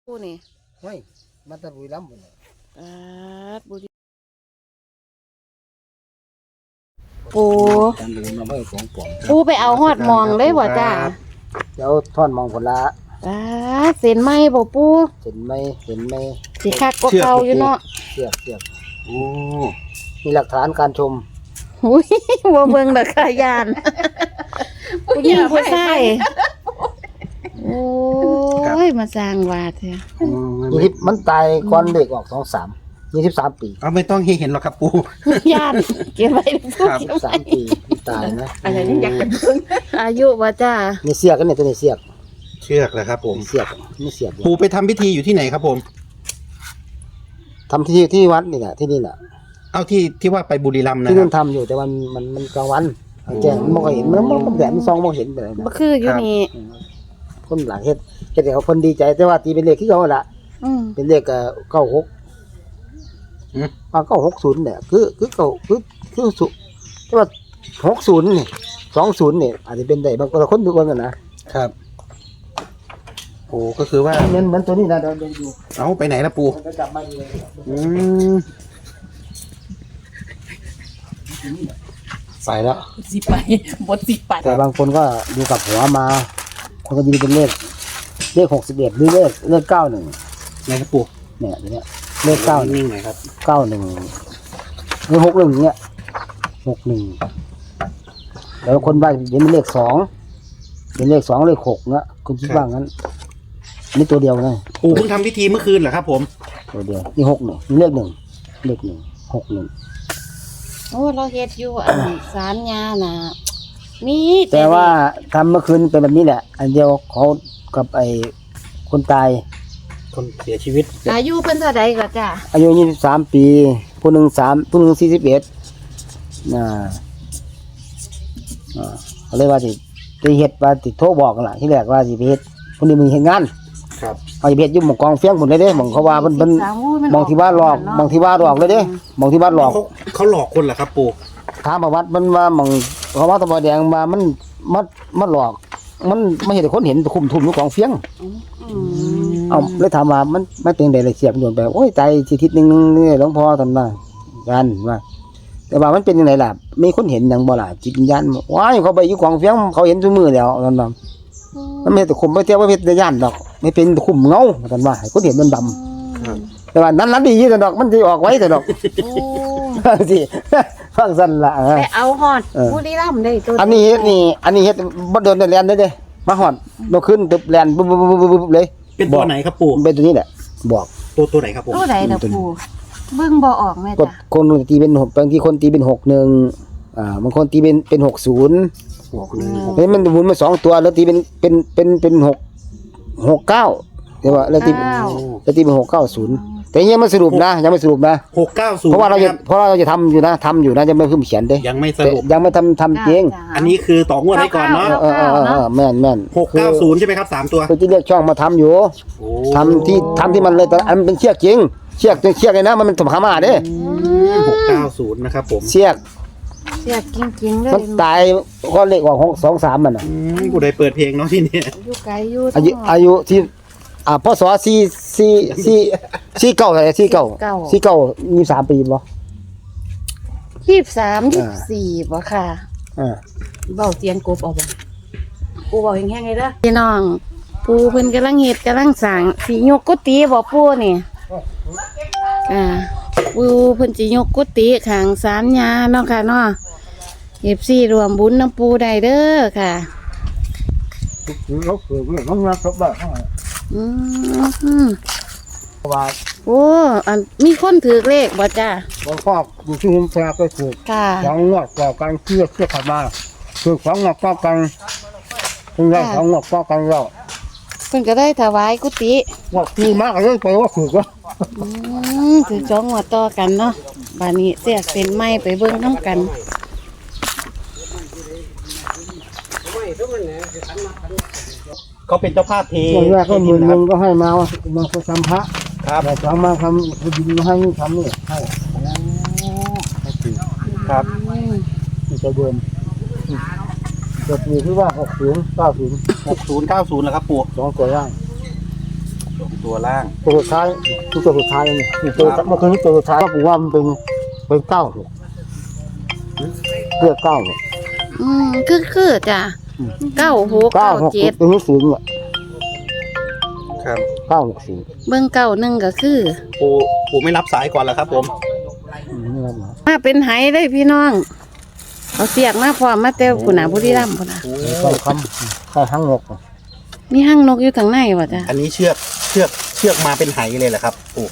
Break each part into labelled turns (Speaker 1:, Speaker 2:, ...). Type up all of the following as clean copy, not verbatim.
Speaker 1: ผู้นี่
Speaker 2: ไม่มาตะบุรีรัมย์หมดเลย
Speaker 1: บุรีปู
Speaker 2: การเดินมาไม่ของปลอม
Speaker 1: ปูไปเอาฮอดมองเลยบ่จ้า
Speaker 2: เดี๋ยวท่อนมองผลละ
Speaker 1: เส้นไหมบ่ปู
Speaker 2: เห็นไหม
Speaker 1: สิคักกว่าเก่าอยู่เนาะ
Speaker 2: เสียบโอ้มีหลักฐานการชม
Speaker 1: อุ้ยบ่เบิ่งดอกค่ะยานผู้หญิงผู้ชายโอ้ยมาสร้างว่าแท้
Speaker 2: มันตายก่อนเด็กออก23 ปี
Speaker 3: ไม่ต้องให้เห็นหรอกครับปู่
Speaker 1: ยานเก็บไว้
Speaker 2: 3 ปีตายนะ
Speaker 4: อะไรนี่อยากจะเพิ่ง
Speaker 1: อายุบ่จ้า
Speaker 2: นี่เสียกกันเนี่ยตัวนี้เสียก
Speaker 3: เหรอครับผม
Speaker 2: เสียกไม่เสียก
Speaker 3: ปู่ไปทำพิธีอยู่ที่ไหนครับผม
Speaker 2: ทำที่วัดนี่แหละที่นี่แหละ
Speaker 3: เอาที่ว่าไปบุรีรัมย์นะ
Speaker 2: ที่นู่นทำอยู่แต่มันกลางวันแจ้งมันมองเห็นมันแดดมันซองมองเห็นเลย
Speaker 1: บ่คืออยู่นี่
Speaker 2: คนหลังเฮ็ดให้เขาคนดีใจแต่ว่าตีเป็นเลขที่เขาล่ะเป็นเลข96960เนี่ยคือเก่าคือสุแต่ว่า60นี่20นี่อาจจะเป็นได้บางคนดูกัน
Speaker 3: นะครับโอ้ก็คือว่า
Speaker 2: เหมือนตัวนี้นะเดินดู
Speaker 3: เอาไปไหนล่ะปู่
Speaker 2: จะกลับมาดี
Speaker 3: ไปแล้ว
Speaker 4: สิไปบทสิไป
Speaker 2: แต่บางคนก็ดูกับหัวมาคนก็ดูเป็นเลข61หรือเลข91
Speaker 3: ไหนครับปู่
Speaker 2: เนี่ยอย่างเงี้ยเลข9
Speaker 3: นิ่งหน่อยครับ
Speaker 2: 91หรือ61เงี้ย61แล้วคนบ้านเห็นเป็นเลข2เป็นเลข2เลข6เงี้ยคุณคิดว่างั้นนี่ตัวเดียวนะ
Speaker 3: ปู่เพิ่งทำพิธีเมื่อคืนเหรอครับผม
Speaker 2: ตัวเดียวนี่61เลข1 61
Speaker 1: โอ้เราเฮ็ดอยู่ศาลญาน่ะมี
Speaker 2: แต่ว่าทำเมื่อคืนเป็นแบบนี้แหละอันเดียวเขากับไอ้คนตาย
Speaker 3: คนเสียชีวิต
Speaker 1: อายุเพิ่นเท่าใดก็จ้ะ
Speaker 2: อายุ23 ปีผู้หนึ่ง41เขาเรียกว่าสิไปเฮ็ดว่าสิโทรบอกกันล่ะที่แรกว่าสิไปเฮ็ดคนนี้มึงเฮ็ดงาน
Speaker 3: ครับ
Speaker 2: เอาสิไปเฮ็ดอยู่หม่องกองเฟียงหมดเลยเด้หม่องเขาว่าเพิ่นมองที่ว่าหลอกมองที่ว่าหลอกเลยเด้มองที่ว่าหลอก
Speaker 3: เขาหลอกคนเหรอครับปู่
Speaker 2: ถามประวัติมันว่าหม่องเขาว่าตะบอแดงมามันหลอกมันไม่เห็นคนเห็นคุมทุ่มอยู่กองเฟียงเอาเลยถามว่ามันเป็นไดเลยเสียบโดนไปโอ้ยใจสิทิศนึงนี่หลวงพ่อท่านว่ากันว่าแต่ว่ามันเป็นจังไดล่ะมีคนเห็นหยังบ่ล่ะจิตวิญญาณว้ายเขาไปอยู่กองเฟียงเขาเห็นซุมื้อแล้วนั่นน่ะมันไม่แต่คุมบ่เที่ยวว่าเฮ็ดได้ย่านดอกไม่เป็นคุมเงาท่านว่าให้คนเห็นมันดำแต่ว่านั้นดีแต่ดอกมันสิออกไว้แต่ดอกสิฟังซั่นล่ะ
Speaker 1: ไปเอาฮอดบุรีรัมย์ได้ตัว
Speaker 2: อันนี้เฮ็ดบ่โดนแล่นเด้มาฮอดบ่ขึ้นตึบแล่นปุ๊บเลย
Speaker 3: เป็นตัวไหนครับปู่
Speaker 2: เป็นตัวนี้แหละบอก
Speaker 3: ตัวไหนครับผม
Speaker 1: ตัวไหนล่ะปู่เบิ่งบ่ออกแม่จ้ะ
Speaker 2: คนตีเป็น6บางทีคนตีเป็น61บางคนตีเป็น60มันหมุนมา2ตัวแล้วตีเป็น669แต่ว่าแล้วตีเป็น690แต่ยังไม่สรุปนะยังไม่สรุปนะ
Speaker 3: 690
Speaker 2: เพราะว่าเราจะทำอยู่นะยังไม่ขึ้นเขียนเด้
Speaker 3: ยังไม่สรุป
Speaker 2: ยังไม่ทำจริง
Speaker 3: อันนี้คือต่องวดให้ก่อนเนาะ
Speaker 2: แม่น
Speaker 3: 690ใช่ไหมครับ3ตัว
Speaker 2: คือที่เรียกช่องมาทำอยู่ทำที่มันเลยแต่อันเป็นเชือกจริงเชือกเลยนะมันสมหามาเด้
Speaker 3: 690นะครับผม
Speaker 1: เชือกจริงๆเลย
Speaker 2: มันตายก็เลขออก23มันน่ะ
Speaker 3: กูได้เปิดเพลงเนาะที่นี่
Speaker 1: อยู่ไกลอยู่
Speaker 2: อายุที่พศ49อะไร49 23 ปีบ่
Speaker 1: 23 24บ่ค่ะ
Speaker 4: เว้าเสียงกบเอาบ่กูเว้าแห้งๆเลยเด้อ
Speaker 1: พี่น้องปู่เพิ่นกำลังเฮ็ดกำลังสร้างสิยกกุฏิบ่ปู่นี่ปู่เพิ่นสิยกกุฏิข้างศาลญาเนาะค่ะเนาะ FC รวมบุญน้ำปู่ได้เด้อค่ะ
Speaker 2: เขาคือมันมาครบบ้านว่า
Speaker 1: โอ้มีคนถือเลขบ่จ้า
Speaker 2: บ่ครอบอยู่ที่หุ่มแพรก็ถูกของงอกก่อกันเชื่อขับมาคือของงอกก่อกันคุณได้ของงอกก่อกันแล้ว
Speaker 1: เพิ่นก็ได้ถวายกุฏิ
Speaker 2: ว่าปีมากเลยไปว่าถูกว่า
Speaker 1: ถือ2งวดต่อกันเนาะบัดนี้เสียเส้นไม้ไปเบิ่งนำกัน
Speaker 3: เขาเป็นเจ้าภาพเท
Speaker 2: แรกก็มึงก็ให้มาทำพระ
Speaker 3: ครับ
Speaker 2: แต่สองมาทำดินมาให้ทำนี่ให้
Speaker 3: ครับ
Speaker 2: ที่จะเดิมจะมีที่ว่า60 90
Speaker 3: 60 90แล้วครับปู่
Speaker 2: 2ตัวย่าง
Speaker 3: ตัวล่าง
Speaker 2: ตัวสุดท้ายคือตัวสุดท้ายนี่ตัวเมื่อคืนนี้ตัวสุดท้ายก็ผมว่ามันเป็นเก้าเรียกเก้า
Speaker 1: คือจ้ะ9 6
Speaker 2: เก้าหก
Speaker 1: 9 7
Speaker 2: ตัวนี้ศูนย์เนี่ย
Speaker 3: ครับ
Speaker 2: 960
Speaker 1: เบิ่งเก้าหนึ่งก็คือ
Speaker 3: ปู่ไม่รับสายก่อนแล้วครับผม
Speaker 2: นี่ครับ
Speaker 1: มาเป็นไหเลยพี่น้องเอาเสียกมาพร้อมมาเต้วคุณน่ะบุรีรัมย์พุ่นน่ะ
Speaker 2: ใส่คำใส่ทั้งหก
Speaker 1: มีห้างนกอยู่ทางในบ่จ้ะ
Speaker 3: อันนี้เชือกมาเป็นไหเลยเหรอครับปู่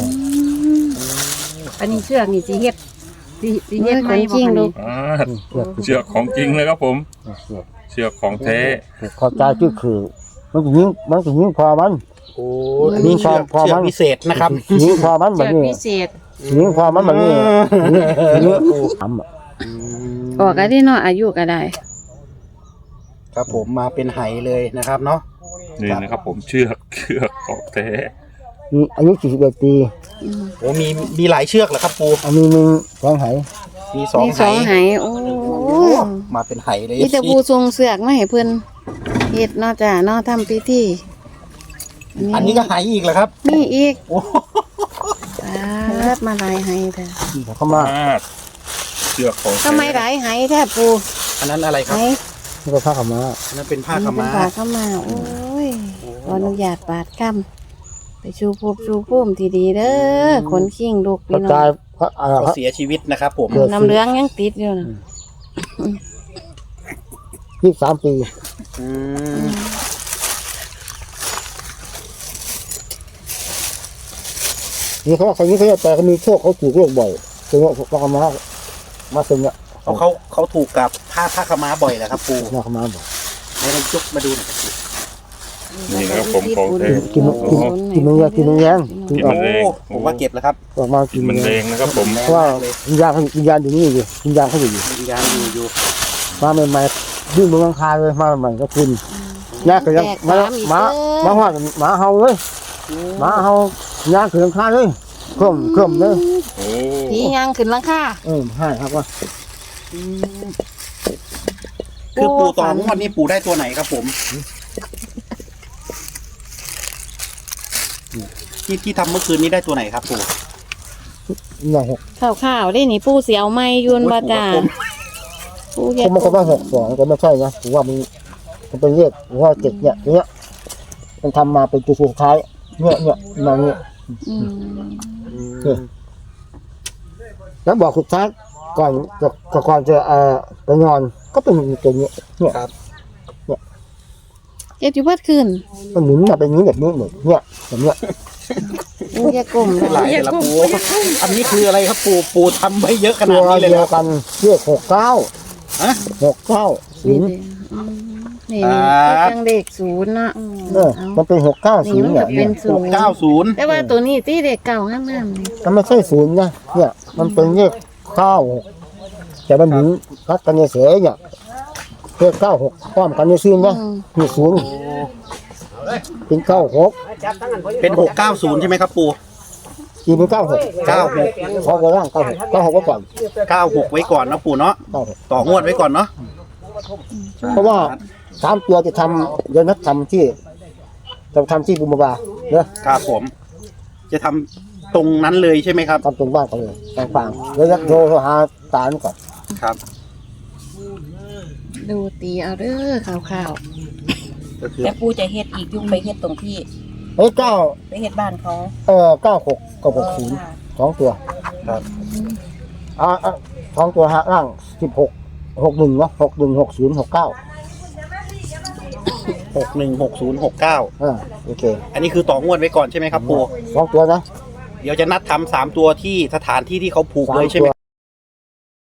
Speaker 4: อันนี้เชือกนี่สิเฮ็ดสิเฮ็ดไหม
Speaker 1: จริงลูก
Speaker 5: เชือกของจริงเลยครับผม เชือกของแท้
Speaker 2: เข้าใจคือมันจะยิงพอมัน
Speaker 3: โอ้
Speaker 2: อันนี้
Speaker 3: เชือก
Speaker 2: พอมัน
Speaker 3: พิเศษนะครับ
Speaker 2: ยิงพอมันแบ
Speaker 4: เชื
Speaker 2: บ
Speaker 4: อก
Speaker 2: นี้
Speaker 4: พิเศษ
Speaker 2: ยิงพอมันแบบนี้ยิงทำ
Speaker 1: ออกกันที่เนาะอายุก็ได้
Speaker 3: ครับผมมาเป็นไหเลยนะครับเนาะ
Speaker 5: นี่นะครับผมเชือกของแท้
Speaker 2: อายุ41 ปี
Speaker 3: โอ้มีหลายเชือกเหรอครับปู่
Speaker 2: อันนี้มึงสองไห
Speaker 3: มีสอง
Speaker 1: มี
Speaker 3: ไห
Speaker 1: สองไหโอ้
Speaker 3: มาเป็นไหเลย
Speaker 1: มีแต่ผู้ทรงเสือกมาให้เพิ่นเฮ็ดเนาะจ้ะเนาะทำพิธี
Speaker 3: อันนี้ก็ไหอีกเหรอครับ
Speaker 1: มีอีก
Speaker 3: โอ้
Speaker 1: มาหลายไหแท้
Speaker 2: เข้ามา
Speaker 5: เชือกของแท้
Speaker 1: ทำไมหลายไหแท้ปู
Speaker 3: อันนั้นอะไรค
Speaker 1: ไห
Speaker 3: รับ
Speaker 2: นี่ก็ผ้าขาวม้า
Speaker 3: อันนั้นเป็นผ้าขาว
Speaker 1: เป็น
Speaker 3: ม้า
Speaker 1: ฝาเข้ามาโอ้ยขออนุญาตปาดคำไปชูภพชูภูมิที่ดีเด้อคนขิงลูก
Speaker 2: กระ
Speaker 1: พี่น้อ
Speaker 2: จาย
Speaker 1: ง
Speaker 3: เขาเสียชีวิตนะครับผม
Speaker 1: น้ำเหลืองยังติดอยู่นะ
Speaker 2: 23 ปี
Speaker 3: อืม
Speaker 2: นี่เขาคนนี้เขาจะแต่เขามีโชคเขาถูกโรคบ่อยเป็นว่าผ้าขาวม้ามาซึงเนี่ย
Speaker 3: เขาถูกกับผ้าขาวม้าบ่อยเหรอครับปู่
Speaker 2: ผ้าขาวม้าบ่อย
Speaker 3: ให้เรายกมาดูหน่อยครับปู่
Speaker 5: นี่นะครับผมของแท้
Speaker 2: กินมันแรงกินอ
Speaker 5: กิน
Speaker 2: อ
Speaker 5: มั
Speaker 2: ก
Speaker 5: นแรง
Speaker 3: ผมว่าเก็บแล้วครับ
Speaker 2: ออกมา
Speaker 5: กินมันแรงนะครับผม
Speaker 2: เพราะว่าวิญญาณอยู่นี่อยู่วิญญาณเขาอยู่
Speaker 3: วิญญาณอยู่
Speaker 2: มาใหม่ๆยื่นมือข้างคาเลยมาใหม่ก็คุณยากก็ยังมาหอดหมาเห่าเลยหมาเห่ายากคือข้างคาเลยเคลื่อมเลย
Speaker 5: โอ้
Speaker 1: ผียังขึ้นหลังคา
Speaker 2: ให้ครับว่า
Speaker 3: คือปู่ต่องวดนี้ปู่ได้ตัวไหนครับผมที่ทำเมื่อคืนนี้ได้ตัวไหนครับปู่
Speaker 2: อย่างหก
Speaker 1: ข้าวๆได้นี่ปูเสียวไม้ยุนบ่จ้าปู
Speaker 2: ผ
Speaker 1: เฮ็ด
Speaker 2: มก็ว่า62ก็ไม่ใช่นะผมว่ามันเป็นเลขผมว่า7เนี่ยมันทำมาเป็นตัวสุดท้ายเนี่ยมาเนี่ย
Speaker 1: อืม
Speaker 2: แล้วบอกสุดท้ายก่อนจะไปนอนก็เป็นตัวนี้เนี่ย
Speaker 3: ครับ
Speaker 1: เฮ็ดอยู่เบิดคืน
Speaker 2: มันหมุนมาเป็นนี้แบบนี้เนี่ยแบบเนี้ย
Speaker 1: ปูอย่ากลม
Speaker 3: หลายแต่ละปู่อันนี้คืออะไรครับปู่ทำไว้เยอะขนา
Speaker 2: ตั
Speaker 3: ด
Speaker 2: ว
Speaker 3: นี้เลย
Speaker 2: เดี
Speaker 3: เหร
Speaker 2: ย
Speaker 3: อ
Speaker 2: วกันเลข69
Speaker 3: ฮะ
Speaker 2: 69
Speaker 1: นี่
Speaker 2: 0
Speaker 1: นี่
Speaker 3: ครับ
Speaker 1: จังเลข0เนาะ
Speaker 2: มันเป็น690
Speaker 1: นี่มัน
Speaker 2: เนี่
Speaker 1: ก็
Speaker 2: ย
Speaker 1: เป็น0
Speaker 3: 90
Speaker 1: แต่ว่าตัวนี้ตีเลขเก่างามๆนี่
Speaker 2: มันไม่ใช่ศูนย์นะเนี่ยมันเป็นเลข96แต่มันหมุนพัดกันเฉยเนี่ยเลข96พร้อมกันในซีนนะนี่ศูนย์เป็น96
Speaker 3: เป็น690ใช่ไหมครับปู่
Speaker 2: ทีเป็น96
Speaker 3: 96
Speaker 2: เขาก็ร่าง96ไว้ก่อน
Speaker 3: 96ไว้ก่อนนะปู่เนาะ
Speaker 2: 96
Speaker 3: ต่องวดไว้ก่อนเนาะ
Speaker 2: เพราะว่า3ตัวจะทำเดี๋ยวนัดทำที่กุมภาเนี่ย
Speaker 3: ครับผม จะทำตรงนั้นเลยใช่ไหมครับ
Speaker 2: ทำตรงบ้านเขาเลยฟังๆแล้วโทรหาตาลก่อน
Speaker 3: ครับ
Speaker 1: ดูตีเอาเด้อข่าว
Speaker 3: ก็คือ
Speaker 4: แต่ปูจะเฮ็ดอีกยุ่งไปเฮ็ดตรงที่
Speaker 2: เฮ้ย
Speaker 4: ไปเฮ็ดบ้านเขา
Speaker 2: 96กับ60 2ตัว
Speaker 3: ครับ
Speaker 2: 2ตัวหาร่าง16 61เนาะ61 60 69
Speaker 3: 616069
Speaker 2: โอเค
Speaker 3: อันนี้คือต่องวดไว้ก่อนใช่ไหมครับปู่
Speaker 2: 2ตัวนะ
Speaker 3: เดี๋ยวจะนัดทำ3ตัวที่สถานที่ที่เขาผูกเลยใช่ไหม